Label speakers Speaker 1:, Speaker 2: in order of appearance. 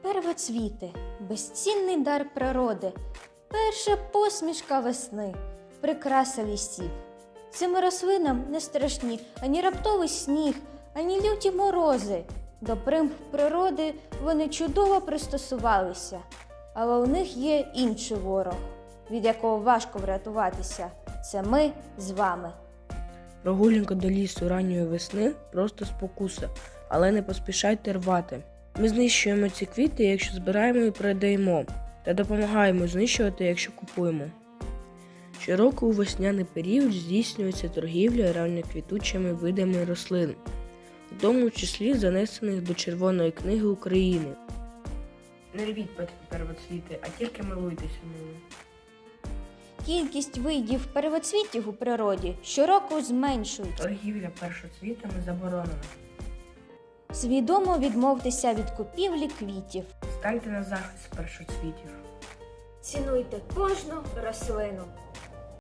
Speaker 1: Первоцвіти – безцінний дар природи, перша посмішка весни, прикраса лісів. Цим рослинам не страшні ані раптовий сніг, ані люті морози. До примх природи вони чудово пристосувалися, але у них є інший ворог, від якого важко врятуватися. Це ми з вами.
Speaker 2: Прогулянка до лісу ранньої весни – просто спокуса, але не поспішайте рвати. Ми знищуємо ці квіти, якщо збираємо і продаємо, та допомагаємо знищувати, якщо купуємо. Щороку у весняний період здійснюється торгівля ранньоквітучими видами рослин, у тому числі занесених до Червоної книги України. Не рвіть первоцвіти, а тільки милуйтеся ними.
Speaker 1: Кількість видів первоцвітів у природі щороку зменшується.
Speaker 2: Торгівля першоцвітами заборонена.
Speaker 1: Свідомо відмовтеся від купівлі квітів.
Speaker 2: Станьте на захист першоцвітів.
Speaker 1: Цінуйте кожну рослину.